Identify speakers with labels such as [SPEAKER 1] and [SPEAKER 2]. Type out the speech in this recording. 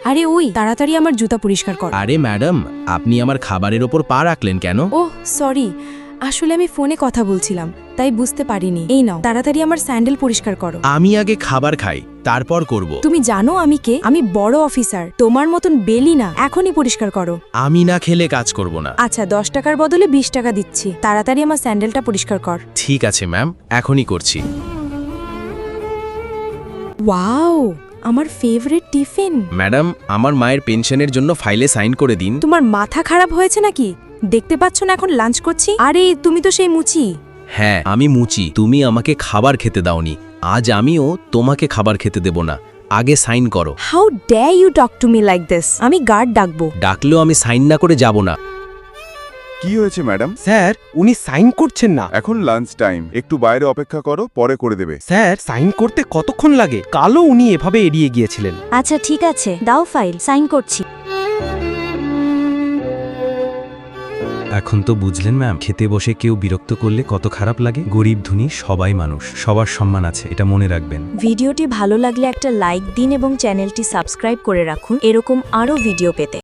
[SPEAKER 1] আরে ওই তাড়াতাড়ি আমার জুতা পরিষ্কার কর।
[SPEAKER 2] আরে ম্যাডাম, আপনি আমার খাবারের ওপর পা রাখলেন কেন?
[SPEAKER 1] ওহ সরি, আসলে আমি ফোনে কথা বলছিলাম তাই বুঝতে পারিনি। এই নাও তাড়াতাড়ি আমার স্যান্ডেল পরিষ্কার করো।
[SPEAKER 2] আমি আগে খাবার খাই, তারপর করব।
[SPEAKER 1] তুমি জানো আমি কে? আমি বড় অফিসার, তোমার মতন বেলি না। এখনই পরিষ্কার করো।
[SPEAKER 2] আমি না খেলে কাজ করব না।
[SPEAKER 1] আচ্ছা 10 টাকার বদলে 20 টাকা দিচ্ছি, তাড়াতাড়ি আমার স্যান্ডেলটা পরিষ্কার কর।
[SPEAKER 2] ঠিক আছে ম্যাম, এখনই করছি।
[SPEAKER 1] ওয়াও, আমার ফেভারিট টিফিন।
[SPEAKER 2] ম্যাডাম, আমার মায়ের পেনশনের জন্য ফাইলে সাইন করে দিন।
[SPEAKER 1] তোমার মাথা খারাপ হয়েছে নাকি? দেখতে পাচ্ছ না এখন লাঞ্চ করছি? আরে তুমি তো সেই মুচি।
[SPEAKER 2] হ্যাঁ, আমি মুচি। তুমি আমাকে খাবার খেতে দাওনি, আজ আমিও তোমাকে খাবার খেতে দেব না। আগে সাইন করো।
[SPEAKER 1] How dare you talk to me like this? আমি গার্ড ডাকবো।
[SPEAKER 2] ডাকলেও আমি সাইন না করে যাব না।
[SPEAKER 3] কি হয়েছে ম্যাডাম?
[SPEAKER 4] স্যার, উনি সাইন করছেন না।
[SPEAKER 3] এখন লাঞ্চ টাইম, একটু বাইরে অপেক্ষা করো, পরে করে দেবে।
[SPEAKER 4] স্যার, সাইন করতে কতক্ষণ লাগে? কালও উনি এভাবে এড়িয়ে গিয়েছিলেন।
[SPEAKER 5] আচ্ছা ঠিক আছে, দাও ফাইল, সাইন করছি।
[SPEAKER 6] এখন তো বুঝলেন ম্যাম, খেতে বসে কেউ বিরক্ত করলে কত খারাপ লাগে। গরিব ধনী সবাই মানুষ, সবার সম্মান আছে, এটা মনে রাখবেন।
[SPEAKER 5] ভিডিওটি ভালো লাগলে একটা লাইক দিন এবং চ্যানেলটি সাবস্ক্রাইব করে রাখুন এরকম আরও ভিডিও পেতে।